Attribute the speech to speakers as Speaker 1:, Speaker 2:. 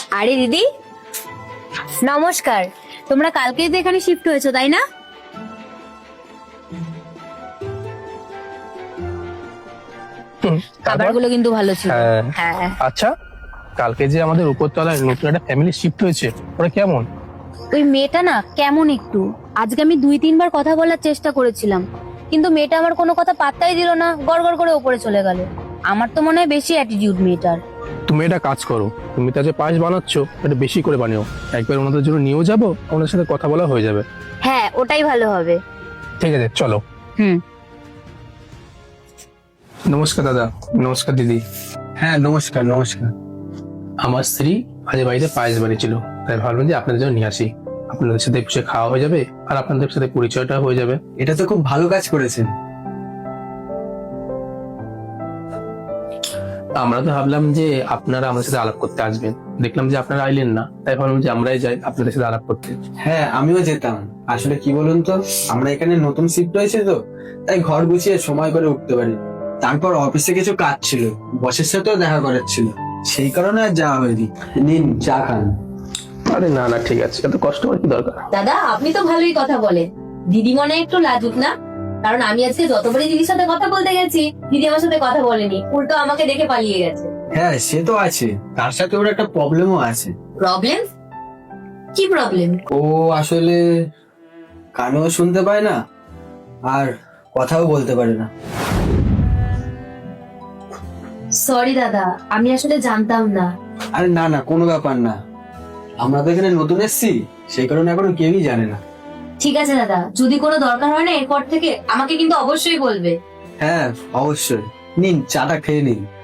Speaker 1: আরে দিদি নমস্কার, তোমরা কালকেই তো এখানে শিফট হয়েছো তাই না? খাবারগুলো কিন্তু ভালো ছিল। হ্যাঁ।
Speaker 2: আচ্ছা, কালকে যে আমাদের উপরতলায় নতুন একটা ফ্যামিলি শিফট হয়েছে, ওরা কেমন?
Speaker 1: ওই মেয়েটা না কেমন একটু, আজকে আমি 2-3 বার কথা বলার চেষ্টা করেছিলাম, কিন্তু মেয়েটা আমার কোনো কথা পাত্তাই দিল না, গড়গড় করে উপরে চলে গেল। আমার তো মনে হয় বেশি অ্যাটিটিউড মেয়েটার।
Speaker 2: তুমি এটা কাজ করো, তুমি তো যে পায়েস বানাচ্ছ এটা বেশি করে বানিও, একবার ওনাদের জন্য নিয়েও যাবো, ওনাদের সাথে কথা বলা হয়ে যাবে।
Speaker 1: হ্যাঁ, ওটাই ভালো হবে।
Speaker 2: ঠিক আছে, চলো।
Speaker 1: হুম।
Speaker 2: নমস্কার দাদা। নমস্কার দিদি।
Speaker 3: হ্যাঁ, নমস্কার নমস্কার।
Speaker 2: আমার স্ত্রী আজ বাড়িতে পায়েস বানিয়েছিল, তাই ভাবলাম যে আপনাদের জন্য নিয়ে আসি। আপনাদের সাথে বসে খাওয়া হয়ে যাবে আর আপনাদের সাথে পরিচয়টা হয়ে যাবে।
Speaker 3: এটা তো খুব ভালো কাজ করেছেন।
Speaker 2: আমরা তো ভাবলাম যে আপনারা আমাদের সাথে আলাপ করতে আসবেন, দেখলাম যে আপনারা আইলেন না, তাই ভাবলাম যে আমরাই যাই আপনাদের সাথে আলাপ করতে।
Speaker 3: হ্যাঁ, আমিও যেতাম। আসলে কি বলুন তো, আমরা এখানে নতুন শিফট হয়েছে তো, তাই ঘর গুছিয়ে সময় করে উঠতে পারি। তারপর অফিসে কিছু কাজ ছিল, বসের সাথেও দেখা করার ছিল, সেই কারণে আর যাওয়া হয়নি। নিন চা খান।
Speaker 2: আরে না না, ঠিক আছে, এত কষ্ট হওয়ার কি দরকার।
Speaker 1: দাদা আপনি তো ভালোই কথা বলেন, দিদি মনে হয় একটু লাজুক না? কারণ আমি আজকে যতবারই দিদির সাথে কথা বলতে গেছি, দিদি আমার সাথে কথা বলেনি, উল্টো আমাকে দেখে পালিয়ে গেছে।
Speaker 3: হ্যাঁ, সে তো আছে, তার সাথে ওর একটা প্রবলেমও আছে।
Speaker 1: প্রবলেম? কি প্রবলেম?
Speaker 3: ও আসলে কানেও শুনতে পায় না আর কথাও বলতে পারে না।
Speaker 1: সরি দাদা, আমি আসলে জানতাম না।
Speaker 3: আরে না না, কোনো ব্যাপার না। আমরা তো এখানে নতুন এসেছি, সেই কারণে এখনো কেউই জানে না।
Speaker 1: ঠিক আছে দাদা, যদি কোনো দরকার হয় না এরপর থেকে আমাকে কিন্তু অবশ্যই বলবে।
Speaker 3: হ্যাঁ অবশ্যই, নিন চাটা খেয়ে নিন।